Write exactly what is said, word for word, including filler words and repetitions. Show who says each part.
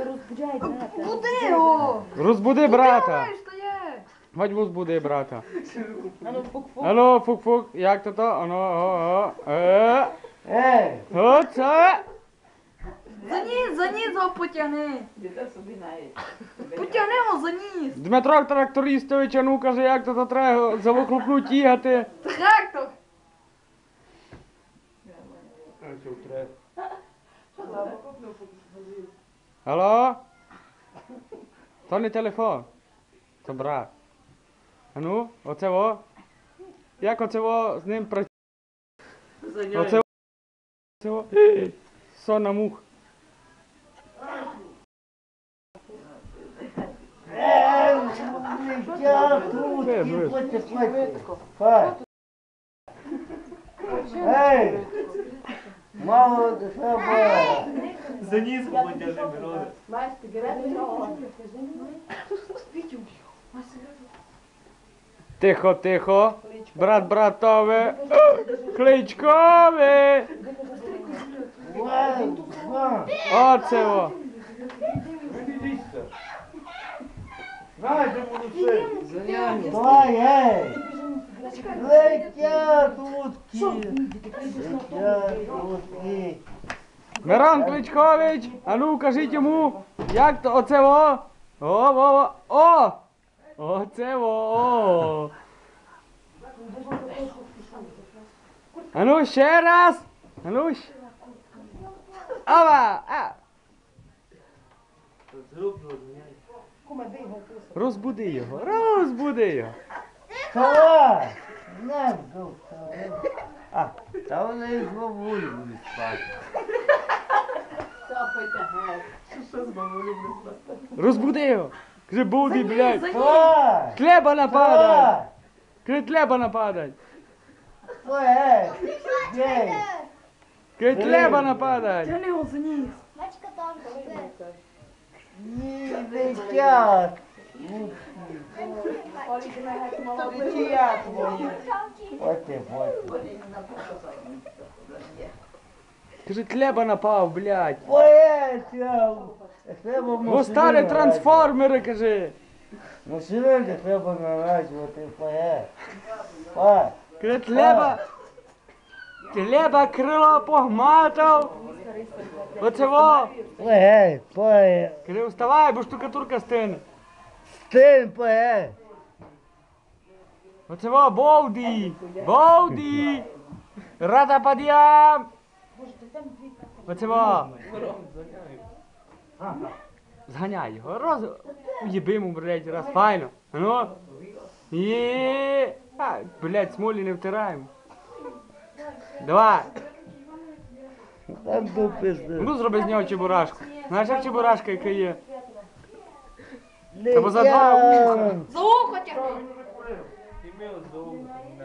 Speaker 1: розбуджай брата.
Speaker 2: Буди його!
Speaker 3: Розбуди брата.
Speaker 2: Що є?
Speaker 3: Chodź розбуди брата.
Speaker 1: Ану, фук-фук.
Speaker 3: Алло, фук-фук, як то то? Ану, о, о, е.
Speaker 4: Ей!
Speaker 3: Оце.
Speaker 2: За ніс, за ніс його потягни. Потягни його за ніс.
Speaker 3: Дмитро Трактористович, а ну каже, як то то треба за вихлопну тягати.
Speaker 2: Трактор.
Speaker 3: Алло? То не телефон. То брат. А ну, оце во. Як оце во з ним працює? Оце во. Оце во. Сонна мух.
Speaker 4: Ей! Я тут,
Speaker 3: Е,
Speaker 4: і
Speaker 3: ну,
Speaker 4: платять, платять. Фай. Ей! Мало треба.
Speaker 5: За низ подержи, Мироне.
Speaker 3: Тихо, тихо. Брат братове. Кличкове.
Speaker 4: Ладно, ладно.
Speaker 3: Оце во.
Speaker 5: Знаєте, молодці.
Speaker 4: Давай, ей! Летять утки. Летять утки.
Speaker 3: Мирон Кличкович, а ну кажіть йому, як то оце во? О, во, во, о! Оце во, о! А ну ще раз! А ну ще! Ава! А! Розбуди його, розбуди його!
Speaker 4: Давай! Не, вставай. А, та вони і з бабулі будуть спати.
Speaker 3: Розбуди його! Каже, буди, блядь!
Speaker 4: Давай!
Speaker 3: Хлеба нападай!
Speaker 4: Давай!
Speaker 3: Каже, хлеба нападай!
Speaker 4: Ой, ей! Ей!
Speaker 3: Каже, хлеба нападай!
Speaker 2: Тягни його за ніс.
Speaker 4: Ні, летять! Це я твої. Ось ти, ось.
Speaker 3: Каже, хлеба напав, блядь!
Speaker 4: Ой, треба. Треба
Speaker 3: Во старі трансформери, каже!
Speaker 4: На силенки треба наражувати, поє. Ой.
Speaker 3: Каже, хлеба! Хлеба крило погматав! Оце во!
Speaker 4: Ой, поє.
Speaker 3: Каже, вставай, бо штукатурка стине!
Speaker 4: Стин, поє.
Speaker 3: Оце во, Болді! Болді! Рада пад'ям! Оце во! Зганяй його, роз... Уєби йому, блядь, раз, файно! Ну! Є! А, блядь, смолі не втираємо! Давай!
Speaker 4: Там до пизди.
Speaker 3: Ну зроби з нього чебурашку! Знаєш, як чебурашка, яка є? Або за два
Speaker 4: Летять.
Speaker 2: За ухо тягни.
Speaker 5: Ім'я за